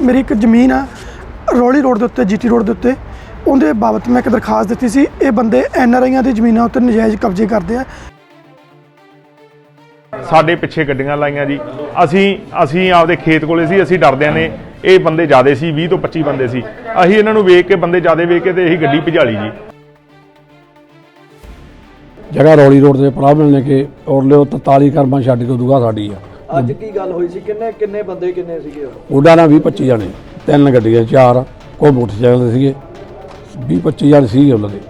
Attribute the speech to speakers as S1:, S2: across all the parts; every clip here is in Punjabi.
S1: मेरी एक जमीन है रौली रोड के उत्ते GT रोड के उत्ते उनके बाबत मैं एक दरखास्त दी सी। ये बंदे NRI की जमीनों उत्ते नजायज़ कब्जे करते हैं।
S2: ਸਾਡੇ ਪਿੱਛੇ ਗੱਡੀਆਂ ਲਾਈਆਂ ਜੀ। ਅਸੀਂ ਆਪਦੇ ਖੇਤ ਕੋਲੇ ਸੀ। ਅਸੀਂ ਡਰਦਿਆਂ ਨੇ ਇਹ ਬੰਦੇ ਜ਼ਿਆਦੇ ਸੀ, 20 ਤੋਂ 25 ਬੰਦੇ ਸੀ। ਅਸੀਂ ਇਹਨਾਂ ਨੂੰ ਵੇਖ ਕੇ ਬੰਦੇ ਜ਼ਿਆਦੇ ਵੇਖ ਕੇ ਤੇ ਇਹੀ ਗੱਡੀ ਭਜਾਲੀ ਜੀ।
S3: जगह रौली रोड से पराह मिलने के और लियो 43 करमा छड्ड के दूगा साडी आ।
S4: ਅੱਜ ਕੀ ਗੱਲ ਹੋਈ ਸੀ? ਕਿੰਨੇ ਬੰਦੇ ਕਿੰਨੇ ਸੀਗੇ?
S3: ਉਹਦਾ ਨਾ 20-25 ਜਣੇ, 3 ਗੱਡੀਆਂ 4 ਕੋਈ ਮੋਟਰਸਾਈਕਲ ਸੀਗੇ, 20-25 ਜਣੇ ਸੀਗੇ ਉਹਨਾਂ ਦੇ।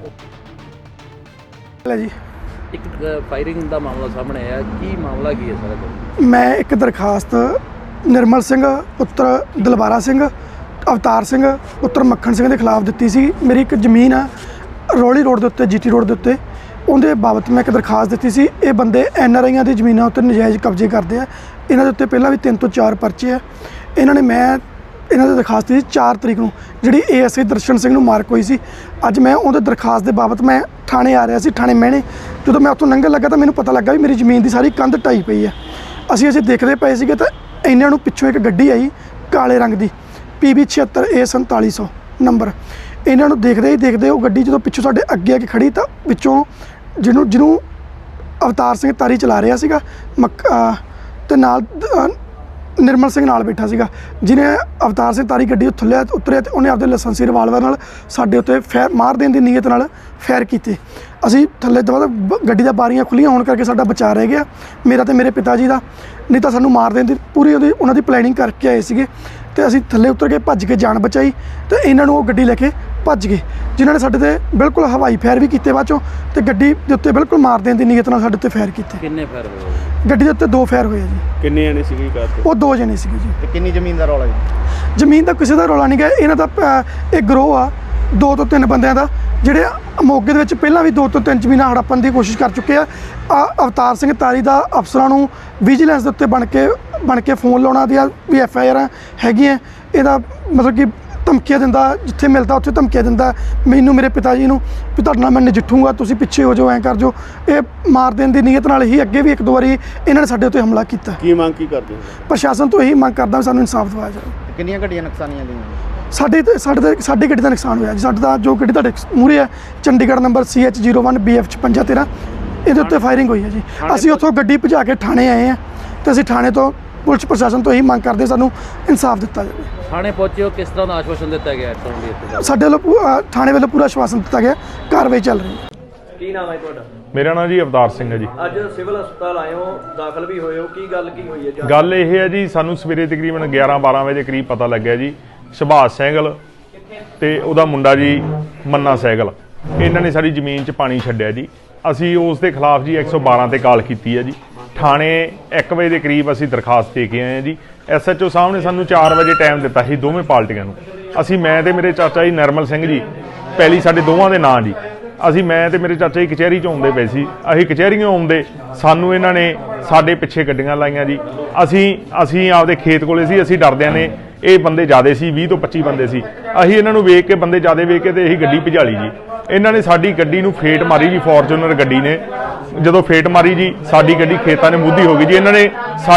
S1: जी
S5: ਇੱਕ ਫਾਇਰਿੰਗ ਦਾ ਮਾਮਲਾ ਸਾਹਮਣੇ ਆਇਆ, ਕੀ ਮਾਮਲਾ ਕੀ ਹੈ ਸਾਰਾ?
S1: मैं एक दरखास्त निर्मल सिंह पुत्र दलबारा सिंह अवतार सिंह पुत्र मक्खन सिंह के खिलाफ दी सी। मेरी एक जमीन है रौली रोड के उत्ते GT रोड के उत्ते उनके बाबत मैं एक दरखास्त दी सी। ये बंदे NRI की जमीनों उत्ते नजायज़ कब्जे करते हैं। इन्होंने उत्ते पहला भी 3 ਤੋਂ 4 परचे है। इन्होंने मैं इन्हों की दरखास्त दी 4 तरीक को जी ASI दर्शन सिंह मार्क हुई सी। अज मैं उनके दरखास्त के बाबत मैं थाने आ रहा सी, थाने महने जो मैं उत्थों लंघन लगा तो मैंने पता लगा भी मेरी जमीन की सारी कंध ढाई पई है। असीं देखते पे सीगे तो इन्हों पिछों एक गड्डी आई काले रंग की PB 76 A 4700 नंबर। इन्हों देखते ही देखते वो गड्डी जो पिछों साडे अगे आके खड़ी तो पिछों जिन्हों अवतार सिंह तारी चला रहा सीगा ते नाल निर्मल सिंह नाल बैठा सीगा, जिन्हें अवतार सिंह तारी गड्डी थल्ले उतरिया तो उन्हें आपदे लाइसेंसी रिवाल्वर नाल साडे उत्ते फैर मार देने की नीयत नाल फैर कीते। असीं थल्ले दवा गड्डी दा बारियां खुलियां होने करके साडा बचा रह गया, मेरा ते मेरे पिता जी दा। नहीं तो सानू मार देने की पूरी उन्हां दी प्लैनिंग करके आए सीगे ते असीं थल्ले उतर के भज के जान बचाई तो इन्हां नूं गड्डी लैके भज गए, जिन्होंने साडे ते बिल्कुल हवाई फैर भी किए बाद चों ते गड्डी दे उत्ते बिल्कुल मार देने की नीयत नाल साडे ते फैर किए।
S5: ਕਿੰਨੇ ਫਾਇਰ ਹੋਏ?
S1: गड्डी दे उत्ते 2 फैर होए जी।
S4: ਕਿੰਨੇ ਜਣੇ ਸੀਗੇ ਕਾਰ ਤੇ?
S1: वो 2 जने सीगे जी।
S4: ਤੇ ਕਿੰਨੀ ਜ਼ਮੀਨ ਦਾ ਰੌਲਾ ਜੀ?
S1: ਜ਼ਮੀਨ ਦਾ ਕਿਸੇ ਦਾ ਰੌਲਾ ਨਹੀਂ ਗਾ। ਇਹਨਾਂ ਦਾ ਇੱਕ ਗਰੋਹ ਆ 2 ਤੋਂ 3 ਬੰਦਿਆਂ ਦਾ, ਜਿਹੜੇ ਮੋਗੇ ਦੇ ਵਿੱਚ ਪਹਿਲਾਂ ਵੀ 2 ਤੋਂ 3 ਜ਼ਮੀਨਾਂ ਹੜੱਪਣ ਦੀ ਕੋਸ਼ਿਸ਼ ਕਰ ਚੁੱਕੇ ਆ। ਅਵਤਾਰ ਸਿੰਘ ਤਾਰੀ ਦਾ ਅਫਸਰਾਂ ਨੂੰ ਵਿਜੀਲੈਂਸ ਦੇ ਉੱਤੇ ਬਣ ਕੇ ਫੋਨ ਲਾਉਣਾ ਦੀਆਂ ਵੀ FIR ਹੈਗੀਆਂ। ਇਹਦਾ ਮਤਲਬ ਕਿ ਧਮਕੀਆਂ ਦਿੰਦਾ, ਜਿੱਥੇ ਮਿਲਦਾ ਉੱਥੇ ਧਮਕੀਆਂ ਦਿੰਦਾ ਮੈਨੂੰ, ਮੇਰੇ ਪਿਤਾ ਜੀ ਨੂੰ ਵੀ ਤੁਹਾਡੇ ਨਾਲ ਮੈਂ ਨਜਿੱਠੂਗਾ, ਤੁਸੀਂ ਪਿੱਛੇ ਹੋ ਜਾਓ, ਐਂ ਕਰ ਜਾਓ। ਇਹ ਮਾਰ ਦੇਣ ਦੀ ਨੀਅਤ ਨਾਲ ਹੀ ਅੱਗੇ ਵੀ 1-2 ਵਾਰੀ ਇਹਨਾਂ ਨੇ ਸਾਡੇ ਉੱਤੇ ਹਮਲਾ ਕੀਤਾ।
S4: ਕੀ ਮੰਗ ਕੀ ਕਰਦੇ ਹੋ?
S1: ਪ੍ਰਸ਼ਾਸਨ ਤੋਂ ਇਹੀ ਮੰਗ ਕਰਦਾ ਵੀ ਸਾਨੂੰ ਇਨਸਾਫ ਦਿਵਾਇਆ ਜਾਵੇ।
S4: ਕਿੰਨੀਆਂ ਗੱਡੀਆਂ ਨੁਕਸਾਨੀਆਂ ਗਈਆਂ?
S1: ਸਾਡੀ ਗੱਡੀ ਦਾ ਨੁਕਸਾਨ ਹੋਇਆ ਜੀ। ਸਾਡਾ ਜੋ ਗੱਡੀ ਤੁਹਾਡੇ ਮੂਹਰੇ ਹੈ ਚੰਡੀਗੜ੍ਹ ਨੰਬਰ CH01 BF 5513 ਇਹਦੇ ਉੱਤੇ ਫਾਇਰਿੰਗ ਹੋਈ ਹੈ ਜੀ। ਅਸੀਂ ਉੱਥੋਂ ਗੱਡੀ ਭਜਾ ਕੇ ਥਾਣੇ ਆਏ ਹਾਂ ਤੇ ਅਸੀਂ ਥਾਣੇ ਤੋਂ ਪੁਲਿਸ ਪ੍ਰਸ਼ਾਸਨ ਤੋਂ ਇਹੀ ਮੰਗ ਕਰਦੇ ਸਾਨੂੰ ਇਨਸਾਫ ਦਿੱਤਾ ਜਾਵੇ।
S5: ਥਾਣੇ ਪਹੁੰਚੇ ਹੋ, ਕਿਸ ਤਰ੍ਹਾਂ ਦਾ ਆਸ਼ਵਾਸਨ ਦਿੱਤਾ ਗਿਆ ਤੁਹਾਨੂੰ?
S1: ਸਾਡੇ ਵੱਲੋਂ ਥਾਣੇ ਵੱਲੋਂ ਪੂਰਾ ਆਸ਼ਵਾਸਨ ਦਿੱਤਾ ਗਿਆ, ਕਾਰਵਾਈ ਚੱਲ ਰਹੀ ਹੈ।
S4: ਕੀ ਨਾਮ ਹੈ ਤੁਹਾਡਾ?
S2: ਮੇਰਾ ਨਾਮ ਜੀ ਅਵਤਾਰ ਸਿੰਘ ਹੈ ਜੀ।
S4: ਅੱਜ ਸਿਵਲ ਹਸਪਤਾਲ ਆਏ ਹੋ, ਦਾਖਲ ਵੀ ਹੋਏ ਹੋ, ਕੀ ਗੱਲ ਕੀ ਹੋਈ ਹੈ?
S2: ਗੱਲ ਇਹ ਹੈ ਜੀ, ਸਾਨੂੰ ਸਵੇਰੇ ਤਕਰੀਬਨ 11-12 ਵਜੇ ਕਰੀਬ ਪਤਾ ਲੱਗਿਆ ਜੀ, ਸੁਭਾਸ਼ ਸਹਿਗਲ ਤੇ ਉਹਦਾ ਮੁੰਡਾ ਜੀ ਮੰਨਾ ਸਹਿਗਲ, ਇਹਨਾਂ ਨੇ ਸਾਡੀ ਜ਼ਮੀਨ 'ਚ ਪਾਣੀ ਛੱਡਿਆ ਜੀ। ਅਸੀਂ ਉਸ ਦੇ ਖਿਲਾਫ ਜੀ 112 ਤੇ ਕਾਲ ਕੀਤੀ ਹੈ ਜੀ। ਥਾਣੇ 1 ਵਜੇ ਦੇ ਕਰੀਬ ਅਸੀਂ ਦਰਖਾਸਤ ਦੇ ਕੇ ਆਏ ਹਾਂ ਜੀ। SHO ਸਾਹਿਬ ਨੇ ਸਾਨੂੰ 4 ਵਜੇ ਟਾਈਮ ਦਿੱਤਾ ਸੀ ਦੋਵੇਂ ਪਾਰਟੀਆਂ ਨੂੰ। ਅਸੀਂ ਮੈਂ ਤੇ ਮੇਰੇ ਚਾਚਾ ਜੀ ਨਰਮਲ ਸਿੰਘ ਜੀ, ਪਹਿਲੀ ਸਾਡੇ ਦੋਵਾਂ ਦੇ ਨਾਂ ਜੀ, ਮੈਂ ਤੇ ਮੇਰੇ ਚਾਚਾ ਜੀ ਕਚਹਿਰੀ 'ਚ ਆਉਂਦੇ ਪਏ ਸੀ। ਅਸੀਂ ਕਚਹਿਰੀਆਂ ਆਉਂਦੇ ਸਾਨੂੰ ਇਹਨਾਂ ਨੇ ਸਾਡੇ ਪਿੱਛੇ ਗੱਡੀਆਂ ਲਾਈਆਂ ਜੀ। ਅਸੀਂ ਆਪਦੇ ਖੇਤ ਕੋਲੇ ਸੀ। ਅਸੀਂ ਡਰਦਿਆਂ ਨੇ ਇਹ ਬੰਦੇ ਜ਼ਿਆਦੇ ਸੀ, 20 ਤੋਂ 25 ਬੰਦੇ ਸੀ। ਅਸੀਂ ਇਹਨਾਂ ਨੂੰ ਵੇਖ ਕੇ ਬੰਦੇ ਜ਼ਿਆਦੇ ਵੇਖ ਕੇ ਤੇ ਇਹੀ ਗੱਡੀ ਭਜਾਲੀ ਜੀ। ਇਹਨਾਂ ਨੇ ਸਾਡੀ ਗੱਡੀ ਨੂੰ ਫੇਟ ਮਾਰੀ ਜੀ, ਫੋਰਚੂਨਰ ਗੱਡੀ ਨੇ ਜਦੋਂ ਫੇਟ ਮਾਰੀ ਜੀ ਸਾਡੀ ਗੱਡੀ ਖੇਤਾਂ ਨੇ ਮੁੱਧੀ ਹੋ ਗਈ ਜੀ। ਇਹਨਾਂ ਨੇ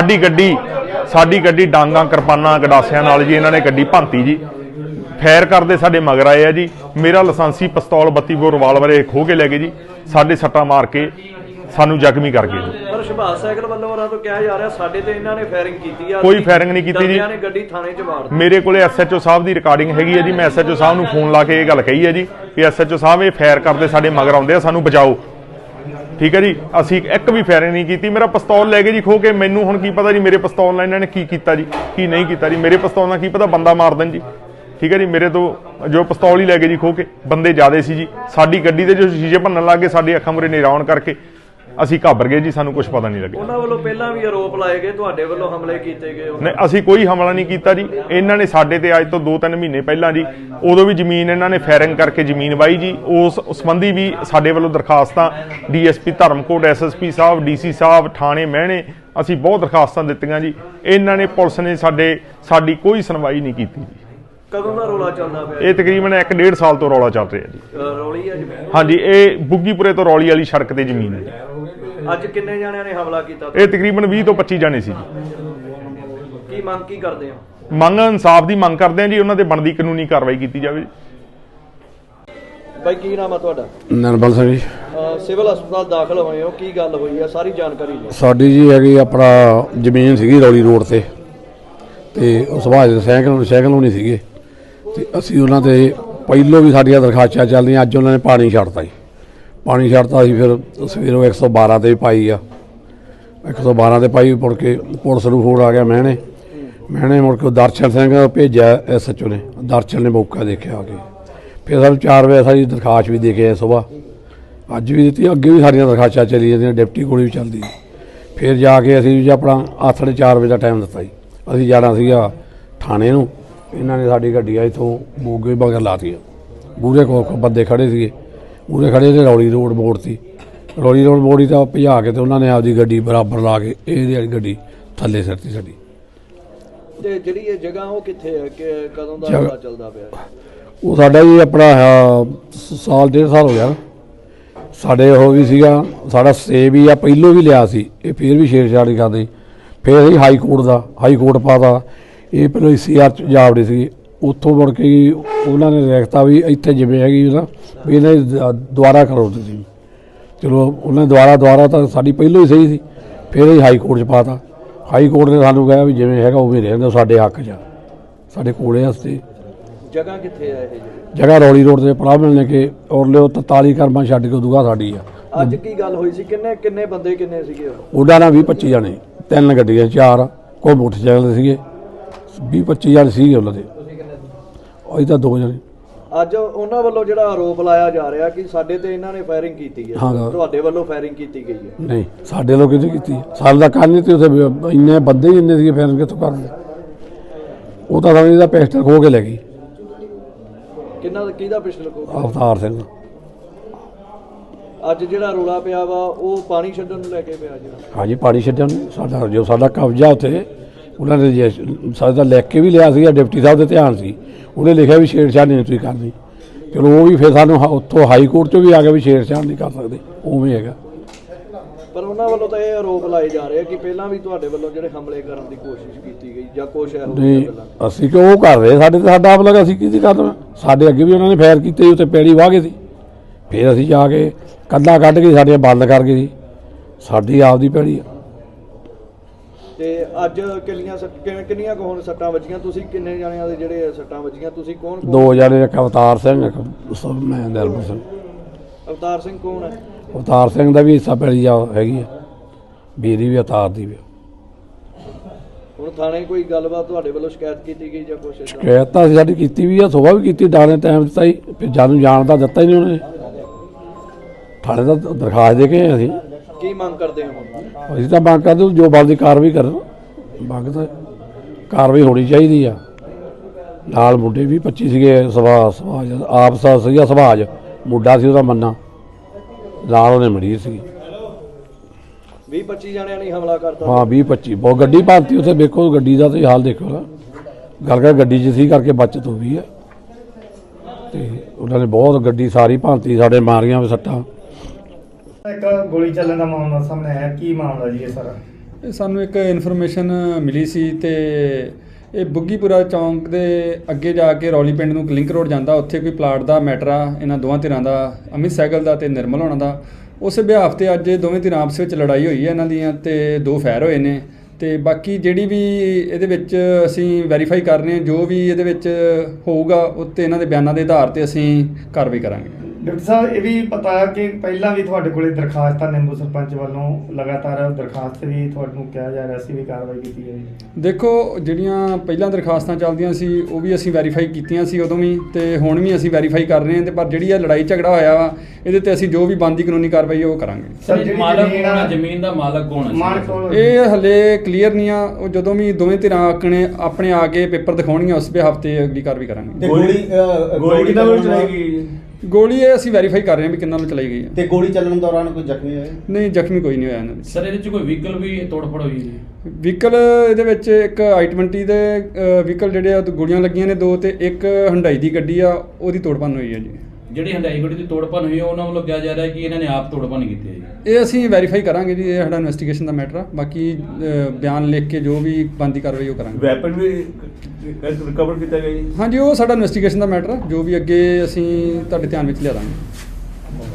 S2: ਸਾਡੀ ਗੱਡੀ ਡਾਂਗਾਂ, ਕਿਰਪਾਨਾਂ, ਗਡਾਸਿਆਂ ਨਾਲ ਜੀ ਇਹਨਾਂ ਨੇ ਗੱਡੀ ਭੰਤੀ ਜੀ। ਫੈਰ ਕਰਦੇ ਸਾਡੇ ਮਗਰ ਆਏ ਆ ਜੀ। ਮੇਰਾ ਲਾਇਸੈਂਸੀ ਪਿਸਤੌਲ 32 ਬੋਰ ਰਿਵਾਲਵਰ ਇਹ ਖੋਹ ਕੇ ਲੈ ਗਏ ਜੀ। ਸਾਡੇ ਸੱਟਾਂ ਮਾਰ ਕੇ ਸਾਨੂੰ ਜ਼ਖਮੀ ਕਰ ਗਏ ਜੀ।
S4: ਪਰ ਸੁਭਾਸ਼ ਸਾਈਕਲ ਵੱਲੋਂ ਉਹਨਾਂ ਤੋਂ ਕਿਹਾ ਜਾ ਰਿਹਾ ਸਾਡੇ ਤੇ ਇਹਨਾਂ ਨੇ ਫਾਇਰਿੰਗ ਕੀਤੀ ਆ।
S2: ਕੋਈ ਫਾਇਰਿੰਗ ਨਹੀਂ ਕੀਤੀ ਜੀ।
S4: ਇਹਨਾਂ ਨੇ ਗੱਡੀ ਥਾਣੇ 'ਚ ਮਾਰ ਦਿੱਤੀ।
S2: ਮੇਰੇ ਕੋਲੇ SHO ਸਾਹਿਬ ਦੀ ਰਿਕਾਰਡਿੰਗ ਹੈਗੀ ਹੈ ਜੀ। ਮੈਂ SHO ਸਾਹਿਬ ਨੂੰ ਫੋਨ ਲਾ ਕੇ ਇਹ ਗੱਲ ਕਹੀ ਹੈ ਜੀ ਕਿ SHO ਸਾਹਿਬ ਇਹ ਫਾਇਰ ਕਰਦੇ ਸਾਡੇ ਮਗਰ ਆਉਂਦੇ ਆ, ਸਾਨੂੰ ਬਚਾਓ। ਠੀਕ ਹੈ ਜੀ। ਅਸੀਂ ਇੱਕ ਵੀ ਫਾਇਰਿੰਗ ਨਹੀਂ ਕੀਤੀ। ਮੇਰਾ ਪਿਸਤੌਲ ਲੈ ਗਏ ਜੀ ਖੋਹ ਕੇ। ਮੈਨੂੰ ਹੁਣ ਕੀ ਪਤਾ ਜੀ ਮੇਰੇ ਪਿਸਤੌਲ ਨਾਲ ਇਹਨਾਂ ਨੇ ਕੀ ਕੀਤਾ ਜੀ, ਕੀ ਨਹੀਂ ਕੀਤਾ ਜੀ। ਮੇਰੇ ਪਿਸਤੌਲ ਨਾਲ ਕੀ ਪਤਾ ਬੰਦਾ ਮਾਰ ਦੇਣ ਜੀ। ਠੀਕ ਹੈ ਜੀ। ਮੇਰੇ ਤੋਂ ਜੋ ਪਿਸਤੌਲ ਹੀ ਲੈ ਗਏ ਜੀ ਖੋਹ ਕੇ। ਬੰਦੇ ਜ਼ਿਆਦੇ ਸੀ ਜੀ। ਸਾਡੀ ਗੱਡੀ ਦੇ ਜੋ ਸ਼ੀਸ਼ੇ ਭੰਨਣ ਲੱਗ ਗਏ, ਸਾਡੀ ਅੱਖਾਂ ਮੂਹਰੇ ਨਿਰਾਉਣ ਕਰਕੇ ਅਸੀਂ ਘਾਬਰ ਗਏ ਜੀ। ਸਾਨੂੰ ਕੁਝ ਪਤਾ ਨਹੀਂ ਲੱਗਿਆ।
S4: ਉਹਨਾਂ ਵੱਲੋਂ ਪਹਿਲਾਂ ਵੀ ਆਰੋਪ ਲਾਏ ਗਏ, ਤੁਹਾਡੇ ਵੱਲੋਂ ਹਮਲੇ ਕੀਤੇ ਗਏ।
S2: ਨਹੀਂ, ਅਸੀਂ ਕੋਈ ਹਮਲਾ ਨਹੀਂ ਕੀਤਾ ਜੀ। ਇਹਨਾਂ ਨੇ ਸਾਡੇ ਤੇ ਅੱਜ ਤੋਂ 2-3 ਮਹੀਨੇ ਪਹਿਲਾਂ ਜੀ, ਉਦੋਂ ਵੀ ਜ਼ਮੀਨ ਇਹਨਾਂ ਨੇ ਫਾਇਰਿੰਗ ਕਰਕੇ ਜ਼ਮੀਨ ਵਾਹੀ ਜੀ। ਉਸ ਸੰਬੰਧੀ ਵੀ ਸਾਡੇ ਵੱਲੋਂ ਦਰਖਾਸਤਾਂ DSP ਧਰਮਕੋਟ, SSP ਸਾਹਿਬ, DC ਸਾਹਿਬ, ਥਾਣੇ ਮਹਿਣੇ, ਅਸੀਂ ਬਹੁਤ ਦਰਖਾਸਤਾਂ ਦਿੱਤੀਆਂ ਜੀ। ਇਹਨਾਂ ਨੇ ਪੁਲਿਸ ਨੇ ਸਾਡੀ ਕੋਈ ਸੁਣਵਾਈ ਨਹੀਂ ਕੀਤੀ ਜੀ।
S4: ਕਦੋਂ ਦਾ ਰੌਲਾ ਚੱਲਦਾ ਪਿਆ?
S2: ਇਹ ਤਕਰੀਬਨ 1-1.5 ਸਾਲ ਤੋਂ ਰੌਲਾ ਚੱਲ ਰਿਹਾ ਜੀ।
S4: ਰੌਲੀ ਹੈ ਜੀ?
S2: ਹਾਂਜੀ, ਇਹ ਬੁੱਗੀਪੁਰੇ ਤੋਂ ਰੌਲੀ ਵਾਲੀ ਸੜਕ ਤੇ ਜ਼ਮੀਨ ਹੈ ਜੀ।
S4: ਅੱਜ ਕਿੰਨੇ ਜਣਿਆਂ ਨੇ ਹਮਲਾ ਕੀਤਾ?
S2: ਇਹ ਤਕਰੀਬਨ 20 ਤੋਂ 25 ਜਾਣੇ ਸੀ ਜੀ।
S4: ਕੀ ਮੰਗ ਕੀ ਕਰਦੇ ਹੋ?
S2: ਮੰਗ ਇਨਸਾਫ ਦੀ ਮੰਗ ਕਰਦੇ ਹਾਂ ਜੀ, ਉਹਨਾਂ ਤੇ ਬਣਦੀ ਕਾਨੂੰਨੀ ਕਾਰਵਾਈ ਕੀਤੀ ਜਾਵੇ।
S4: ਬਾਈ ਕੀ ਨਾਮ ਆ ਤੁਹਾਡਾ?
S3: ਨਿਰਮਲ ਸਿੰਘ ਜੀ।
S4: ਸਿਵਲ ਹਸਪਤਾਲ ਦਾਖਲ ਹੋਏ ਹੋ, ਕੀ ਗੱਲ ਹੋਈ ਆ ਸਾਰੀ ਜਾਣਕਾਰੀ ਲਓ।
S3: ਸਾਡੀ ਜੀ ਹੈਗੀ ਆਪਣਾ ਜ਼ਮੀਨ ਸੀਗੀ ਰੌਲੀ ਰੋਡ ਤੇ ਉਹ ਸੁਭਾਸ਼ ਦੇ ਸਾਈਕਲ ਹੋਣੀ ਸੀਗੇ ਤੇ ਅਸੀਂ ਉਹਨਾਂ ਤੇ ਪਹਿਲੋਂ ਵੀ ਸਾਡੀਆਂ ਦਰਖਾਸਤਾਂ ਚੱਲਦੀਆਂ। ਅੱਜ ਉਹਨਾਂ ਨੇ ਪਾਣੀ ਛੱਡਤਾ ਜੀ, ਪਾਣੀ ਛੱਡਤਾ ਸੀ। ਫਿਰ ਸਵੇਰੋਂ 112 ਤੇ ਵੀ ਪਾਈ ਆ, 112 ਤੇ ਪਾਈ। ਮੁੜ ਕੇ ਪੁਲਿਸ ਨੂੰ ਫੋਨ ਆ ਗਿਆ ਮਹਿਣੇ ਮੁੜ ਕੇ ਦਰਸ਼ਨ ਸਿੰਘ ਭੇਜਿਆ SHO ਨੇ। ਦਰਸ਼ਨ ਨੇ ਮੌਕਾ ਦੇਖਿਆ ਆ ਕੇ, ਫਿਰ ਸਾਨੂੰ 4 ਵਜੇ ਸਾਡੀ ਦਰਖਾਸਤ ਵੀ ਦੇ ਕੇ ਆਏ ਸੁਬਾਹ, ਅੱਜ ਵੀ ਦਿੱਤੀ। ਅੱਗੇ ਵੀ ਸਾਡੀਆਂ ਦਰਖਾਸਤਾਂ ਚੱਲੀ ਜਾਂਦੀਆਂ, ਡਿਪਟੀ ਕੋਲ ਵੀ ਚੱਲਦੀ। ਫਿਰ ਜਾ ਕੇ ਅਸੀਂ ਜੀ ਆਪਣਾ 4:30 ਵਜੇ ਦਾ ਟਾਈਮ ਦਿੱਤਾ ਜੀ। ਅਸੀਂ ਜਾਣਾ ਸੀਗਾ ਥਾਣੇ ਨੂੰ, ਇਹਨਾਂ ਨੇ ਸਾਡੀ ਗੱਡੀਆਂ ਇੱਥੋਂ ਮੋਗੇ ਮਗਰ ਲਾਤੀਆਂ। ਮੂਹਰੇ ਬੰਦੇ ਖੜ੍ਹੇ ਸੀਗੇ, ਮੂਹਰੇ ਖੜ੍ਹੇ ਤੇ ਰੌਲੀ ਰੋਡ ਮੋੜ ਤੀ। ਰੌਲੀ ਰੋਡ ਮੋੜੀ ਤਾਂ ਭਜਾ ਕੇ ਤੇ ਉਹਨਾਂ ਨੇ ਆਪਦੀ ਗੱਡੀ ਬਰਾਬਰ ਲਾ ਕੇ ਇਹਦੀ ਵਾਲੀ ਗੱਡੀ ਥੱਲੇ ਸਿੱਟਤੀ ਸਾਡੀ।
S4: ਤੇ ਜਿਹੜੀ ਇਹ ਜਗ੍ਹਾ ਉਹ ਕਿੱਥੇ ਹੈ, ਕਿ ਕਦੋਂ ਦਾ ਰੌਲਾ ਚੱਲਦਾ ਪਿਆ?
S3: ਉਹ ਸਾਡਾ ਜੀ ਆਪਣਾ ਸਾਲ 1.5 ਸਾਲ ਹੋ ਗਿਆ। ਸਾਡੇ ਉਹ ਵੀ ਸੀਗਾ, ਸਾਡਾ ਸਟੇ ਵੀ ਆ, ਪਹਿਲੋਂ ਵੀ ਲਿਆ ਸੀ। ਇਹ ਫਿਰ ਵੀ ਛੇੜਛਾੜ ਨਹੀਂ ਕਰਦੇ। ਫਿਰ ਅਸੀਂ ਹਾਈ ਕੋਰਟ ਪਾਤਾ। ਇਹ ਪਹਿਲਾਂ CR 'ਚ ਜਾਵੜੇ ਸੀ, ਉੱਥੋਂ ਮੁੜ ਕੇ ਉਹਨਾਂ ਨੇ ਰੇਖਤਾ ਵੀ ਇੱਥੇ ਜਿਵੇਂ ਹੈਗੀ ਨਾ ਵੀ ਇਹਨਾਂ ਦੀ ਦੁਬਾਰਾ ਕਰੋ ਤੁਸੀਂ। ਚਲੋ ਉਹਨਾਂ ਨੇ ਦੁਬਾਰਾ ਤਾਂ ਸਾਡੀ ਪਹਿਲੋਂ ਹੀ ਸਹੀ ਸੀ। ਫਿਰ ਅਸੀਂ ਹਾਈ ਕੋਰਟ 'ਚ ਪਾਤਾ। ਹਾਈ ਕੋਰਟ ਨੇ ਸਾਨੂੰ ਕਿਹਾ ਵੀ ਜਿਵੇਂ ਹੈਗਾ ਉਵੇਂ ਰਹਿੰਦਾ, ਸਾਡੇ ਹੱਕ 'ਚ ਸਾਡੇ ਕੋਲੇ ਵਾਸਤੇ।
S4: ਜਗ੍ਹਾ ਕਿੱਥੇ ਆ ਇਹ?
S3: ਜਗ੍ਹਾ ਰੌਲੀ ਰੋਡ ਤੇ ਪੜਾਅ ਮਿਲਣੇ ਕਿ ਔਰ ਲਿਓ 43 ਕਰਮਾਂ ਛੱਡ ਕੇ ਉਦੋਂ ਸਾਡੀ ਆ।
S4: ਅੱਜ ਕੀ ਗੱਲ ਹੋਈ ਸੀ? ਕਿੰਨੇ ਬੰਦੇ ਸੀਗੇ?
S3: ਉਹਨਾਂ ਨਾਲ 20-25 ਜਾਣੇ, 3 ਗੱਡੀਆਂ 4 ਕੋਈ ਮੋਟਰਸਾਈਕਲ ਸੀਗੇ, 20-25 ਜਾਣੇ ਸੀਗੇ ਉਹਨਾਂ ਦੇ। ਅਸੀਂ ਤਾਂ 2 ਜਾਣੇ।
S4: ਅੱਜ ਉਹਨਾਂ ਵੱਲੋਂ ਜਿਹੜਾ ਆਰੋਪ ਲਾਇਆ ਜਾ ਰਿਹਾ ਕਿ ਸਾਡੇ ਤੇ ਇਹਨਾਂ ਨੇ ਫਾਇਰਿੰਗ ਕੀਤੀ ਹੈ, ਤੁਹਾਡੇ ਵੱਲੋਂ ਫਾਇਰਿੰਗ ਕੀਤੀ ਗਈ ਹੈ? ਨਹੀਂ,
S3: ਸਾਡੇ ਲੋਕ ਕਿਤੇ ਕੀਤੀ ਸਾਡੇ ਦਾ ਕੰਨ ਨਹੀਂ ਤੇ ਉੱਥੇ ਇੰਨੇ ਬੰਦੇ ਹੀ ਇੰਨੇ ਸੀਗੇ, ਫਾਇਰਿੰਗ ਕਿੱਥੋਂ ਕਰਦੇ? ਉਹ ਤਾਂ ਸਾਨੂੰ ਇਹਦਾ ਪਿਸਟਲ ਖੋਹ ਕੇ ਲੈ ਗਈ।
S4: ਕਿਹਦਾ ਪਿਸਟਲ ਖੋਹ?
S3: ਅਵਤਾਰ ਸਿੰਘ।
S4: ਅੱਜ ਜਿਹੜਾ ਰੌਲਾ ਪਿਆ ਵਾ ਉਹ ਪਾਣੀ ਛੱਡਣ ਨੂੰ ਲੈ ਕੇ ਪਿਆ ਜਿਹੜਾ?
S3: ਹਾਂਜੀ, ਪਾਣੀ ਛੱਡਣ। ਸਾਡਾ ਕਬਜ਼ਾ ਉੱਥੇ ਉਹਨਾਂ ਨੇ ਸਾਡਾ ਲਿਖ ਕੇ ਵੀ ਲਿਆ ਸੀਗਾ, ਡਿਪਟੀ ਸਾਹਿਬ ਦੇ ਧਿਆਨ ਸੀ। ਉਹਨੇ ਲਿਖਿਆ ਵੀ ਛੇੜਛਾੜ ਨਹੀਂ ਤੁਸੀਂ ਕਰਨੀ। ਚਲੋ ਉਹ ਵੀ ਫਿਰ ਸਾਨੂੰ ਉੱਥੋਂ ਹਾਈ ਕੋਰਟ 'ਚੋਂ ਵੀ ਆ ਗਿਆ ਵੀ ਛੇੜਛਾੜ ਨਹੀਂ ਕਰ ਸਕਦੇ, ਉਵੇਂ ਹੈਗਾ।
S4: ਪਰ ਉਹਨਾਂ ਵੱਲੋਂ ਤਾਂ ਇਹ ਆਰੋਪ ਲਾਏ ਜਾ ਰਹੇ ਕਿ ਪਹਿਲਾਂ ਵੀ ਤੁਹਾਡੇ ਵੱਲੋਂ ਜਿਹੜੇ ਹਮਲੇ ਕਰਨ ਦੀ ਕੋਸ਼ਿਸ਼ ਕੀਤੀ ਗਈ ਜਾਂ ਕੁਛ ਇਹੋ ਜਿਹੀਆਂ ਗੱਲਾਂ?
S3: ਅਸੀਂ ਕਿ ਉਹ ਕਰ ਰਹੇ ਸਾਡੇ ਤੇ ਸਾਡਾ ਆਪ ਲੱਗਾ, ਅਸੀਂ ਕੀ ਕਰਨਾ? ਸਾਡੇ ਅੱਗੇ ਵੀ ਉਹਨਾਂ ਨੇ ਫਾਇਰ ਕੀਤੇ, ਉੱਥੇ ਪੈੜੀ ਵਾਹ ਗਏ ਸੀ। ਫਿਰ ਅਸੀਂ ਜਾ ਕੇ ਕੰਧਾਂ ਕੱਢ ਕੇ ਸਾਡੀਆਂ ਬੰਦ ਕਰ ਗਏ ਸੀ। ਸਾਡੀ ਆਪਦੀ ਪੈੜੀ ਆ।
S4: ਤੇ ਅੱਜ ਕਿੰਨੀਆਂ ਕੁ ਹੁਣ ਸੱਟਾਂ ਵੱਜੀਆਂ? ਤੁਸੀਂ ਕਿੰਨੇ ਜਣਿਆਂ ਦੇ ਜਿਹੜੇ ਸੱਟਾਂ ਵੱਜੀਆਂ? ਤੁਸੀਂ ਕੌਣ?
S3: 2 ਜਾਣੇ, ਇੱਕ ਅਵਤਾਰ ਸਿੰਘ, ਇੱਕ ਮੈਂ ਨਿਰਮਲ ਸਿੰਘ।
S4: ਅਵਤਾਰ ਸਿੰਘ ਕੌਣ ਹੈ?
S3: ਅਵਤਾਰ ਸਿੰਘ ਦਾ ਵੀ ਹਿੱਸਾ ਪੈਲੀ ਜਾ ਹੈਗੀ ਆ, ਬੀਰੀ ਵੀ ਅਵਤਾਰ ਦੀ ਵੀ।
S4: ਹੁਣ ਥਾਣੇ ਕੋਈ ਗੱਲਬਾਤ ਤੁਹਾਡੇ ਵੱਲੋਂ ਸ਼ਿਕਾਇਤ ਕੀਤੀ ਗਈ ਜਾਂ ਕੁਛ?
S3: ਸ਼ਿਕਾਇਤ ਤਾਂ ਸਾਡੀ ਕੀਤੀ ਵੀ ਆ, ਸੁਬਾਹ ਵੀ ਕੀਤੀ, ਡਾਣੇ ਟਾਈਮ ਦਿੱਤਾ ਹੀ, ਫਿਰ ਜਾਨੂੰ ਜਾਣ ਦਾ ਦਿੱਤਾ ਹੀ ਨਹੀਂ ਉਹਨੇ। ਥਾਣੇ ਦਾ ਦਰਖਾਸਤ ਦੇ ਕੇ ਅਸੀਂ
S4: ਕੀ ਮੰਗ ਕਰਦੇ ਹੋ?
S3: ਅਸੀਂ ਤਾਂ ਮੰਗ ਕਰਦੇ ਜੋ ਬਣਦੀ ਕਾਰਵਾਈ ਕਰਨ। ਮੰਗ ਤਾਂ ਕਾਰਵਾਈ ਹੋਣੀ ਚਾਹੀਦੀ ਆ। ਨਾਲ ਮੁੰਡੇ 20-25 ਸੀਗੇ, ਸੁਭਾਜ ਆਪ ਸੀਗਾ, ਸੁਭਾਜ ਮੁੰਡਾ ਸੀ ਉਹਦਾ ਮੰਨਾ, ਨਾਲ ਉਹਨੇ ਮਰੀਜ਼ ਸੀ।
S4: 20-25 ਜਣਿਆਂ ਨੇ ਹਮਲਾ ਕਰਤਾ?
S3: ਹਾਂ, 20-25 ਬਹੁਤ ਗੱਡੀ ਭਾਰਤੀ ਉੱਥੇ। ਦੇਖੋ ਗੱਡੀ ਦਾ ਤੇ ਹਾਲ ਦੇਖੋ ਨਾ, ਗੱਲ ਕਰ ਗੱਡੀ 'ਚ ਸੀ ਕਰਕੇ ਬਚਤ ਹੋ ਗਈ ਆ। ਤੇ ਉਹਨਾਂ ਨੇ ਬਹੁਤ ਗੱਡੀ ਸਾਰੀ ਭਾਰਤੀ ਸਾਡੇ ਮਾਰੀਆਂ ਵੀ ਸੱਟਾਂ।
S6: ਇੱਕ ਗੋਲੀ ਚੱਲਣ ਦਾ ਮਾਮਲਾ ਸਾਹਮਣੇ ਆਇਆ, ਕੀ ਮਾਮਲਾ ਜੀ ਇਹ ਸਾਰਾ?
S7: ਇਹ ਸਾਨੂੰ ਇੱਕ ਇਨਫੋਰਮੇਸ਼ਨ ਮਿਲੀ ਸੀ ਤੇ ਇਹ ਬੁੱਗੀਪੁਰਾ ਚੌਂਕ ਦੇ ਅੱਗੇ ਜਾ ਕੇ ਰੌਲੀ ਪਿੰਡ ਨੂੰ ਲਿੰਕ ਰੋਡ ਜਾਂਦਾ, ਉੱਥੇ ਕੋਈ ਪਲਾਟ ਦਾ ਮੈਟਰ ਆ ਇਹਨਾਂ ਦੋਵਾਂ ਧਿਰਾਂ ਦਾ, ਅਮਿਤ ਸਹਿਗਲ ਦਾ ਤੇ ਨਿਰਮਲ ਹੋਣਾ ਦਾ। ਉਸੇ ਬਿਹਾਫ ਤੇ ਅੱਜ ਦੋਵੇਂ ਧਿਰਾਂ ਆਪਸ ਵਿੱਚ ਲੜਾਈ ਹੋਈ ਹੈ ਇਹਨਾਂ ਦੀਆਂ ਤੇ 2 ਫਾਇਰ ਹੋਏ ਨੇ। ਤੇ ਬਾਕੀ ਜਿਹੜੀ ਵੀ ਇਹਦੇ ਵਿੱਚ ਅਸੀਂ ਵੈਰੀਫਾਈ ਕਰ ਰਹੇ ਹਾਂ, ਜੋ ਵੀ ਇਹਦੇ ਵਿੱਚ ਹੋਊਗਾ ਉੱਤੇ ਇਹਨਾਂ ਦੇ ਬਿਆਨਾਂ ਦੇ ਆਧਾਰ ਤੇ ਅਸੀਂ ਕਾਰਵਾਈ ਕਰਾਂਗੇ।
S6: ਡਾਕਟਰ ਸਾਹਿਬ, ਇਹ ਵੀ ਪਤਾ ਕਿ ਪਹਿਲਾਂ ਵੀ ਤੁਹਾਡੇ ਕੋਲੇ ਦਰਖਾਸਤਾਂ ਨਿੰਬੂ ਸਰਪੰਚ ਵੱਲੋਂ ਲਗਾਤਾਰ ਦਰਖਾਸਤ ਵੀ ਤੁਹਾਨੂੰ ਕਿਹਾ ਜਾ ਰਿਹਾ ਸੀ ਵੀ ਕਾਰਵਾਈ ਕੀਤੀ ਜਾਵੇ?
S7: ਦੇਖੋ, ਜਿਹੜੀਆਂ ਪਹਿਲਾਂ ਦਰਖਾਸਤਾਂ ਚੱਲਦੀਆਂ ਸੀ ਉਹ ਵੀ ਅਸੀਂ ਵੈਰੀਫਾਈ ਕੀਤੀਆਂ ਸੀ ਉਦੋਂ ਵੀ, ਤੇ ਹੁਣ ਵੀ ਅਸੀਂ ਵੈਰੀਫਾਈ ਕਰ ਰਹੇ ਹਾਂ। ਤੇ ਪਰ ਜਿਹੜੀ ਇਹ ਲੜਾਈ ਝਗੜਾ ਹੋਇਆ ਵਾ, ਇਹਦੇ ਤੇ ਅਸੀਂ ਜੋ ਵੀ ਬਣਦੀ ਕਾਨੂੰਨੀ ਕਾਰਵਾਈ ਉਹ ਕਰਾਂਗੇ।
S6: ਸਰ,
S5: ਜ਼ਮੀਨ ਦਾ ਮਾਲਕ ਕੌਣ ਹੈ?
S7: ਇਹ ਹਲੇ ਕਲੀਅਰ ਨਹੀਂ ਆ। ਉਹ ਜਦੋਂ ਵੀ ਦੋਵੇਂ ਧਿਰਾਂ ਆਪਣੇ ਆ ਕੇ ਪੇਪਰ ਦਿਖਾਉਣਗੀਆਂ, ਉਸ ਬਿਹਾਫ ਤੇ ਅਗਲੀ ਕਾਰਵਾਈ ਕਰਾਂਗੇ।
S8: ਗੋਲੀ ਕਿਹਨਾਂ ਵੱਲੋਂ ਚਲਾਈ ਗਈ?
S7: ਗੋਲੀ ਇਹ ਅਸੀਂ ਵੈਰੀਫਾਈ ਕਰ ਰਹੇ ਹਾਂ ਵੀ ਕਿੰਨਾਂ ਨੂੰ ਚਲਾਈ ਗਈ ਹੈ।
S8: ਤੇ ਗੋਲੀ ਚੱਲਣ ਦੌਰਾਨ ਕੋਈ ਜ਼ਖਮੀ ਹੋਇਆ?
S7: ਨਹੀਂ, ਜ਼ਖਮੀ ਕੋਈ ਨਹੀਂ ਹੋਇਆ ਇਹਨਾਂ ਵਿੱਚ।
S5: ਸਰ, ਇਹਦੇ ਚ ਕੋਈ ਵਹੀਕਲ ਵੀ ਤੋੜਫੋੜ ਹੋਈ ਜੀ?
S7: ਵਹੀਕਲ ਇਹਦੇ ਵਿੱਚ ਇੱਕ i20 ਦੇ ਵਹੀਕਲ ਜਿਹੜੇ ਆ ਗੋਲੀਆਂ ਲੱਗੀਆਂ ਨੇ 2, ਤੇ ਇੱਕ ਹੁੰਡਾਈ ਦੀ ਗੱਡੀ ਆ, ਉਹਦੀ ਤੋੜਪੰਨ ਹੋਈ ਹੈ ਜੀ।
S9: ਜਿਹੜੀ ਹੰਡਾਈ ਗੱਡੀ ਦੀ ਤੋੜਪਨ ਹੋਈ ਹੈ ਉਹਨਾਂ ਵੱਲੋਂ ਕਿਹਾ ਜਾ ਰਿਹਾ ਹੈ ਕਿ ਇਹਨਾਂ ਨੇ ਆਪ ਤੋੜਪਨ ਕੀਤੀ ਹੈ ਜੀ।
S7: ਇਹ ਅਸੀਂ ਵੈਰੀਫਾਈ ਕਰਾਂਗੇ ਜੀ, ਇਹ ਸਾਡਾ ਇਨਵੈਸਟੀਗੇਸ਼ਨ ਦਾ ਮੈਟਰ ਆ। ਬਾਕੀ ਬਿਆਨ ਲਿਖ ਕੇ ਜੋ ਵੀ ਬਣਦੀ ਕਾਰਵਾਈ ਉਹ ਕਰਾਂਗੇ।
S8: ਵੈਪਨ ਵੀ ਰਿਕਵਰ ਕੀਤਾ ਗਿਆ ਜੀ।
S7: ਹਾਂਜੀ, ਉਹ ਸਾਡਾ ਇਨਵੈਸਟੀਗੇਸ਼ਨ ਦਾ ਮੈਟਰ ਆ, ਜੋ ਵੀ ਅੱਗੇ ਅਸੀਂ ਤੁਹਾਡੇ ਧਿਆਨ ਵਿੱਚ ਲਿਆ ਦਾਂਗੇ।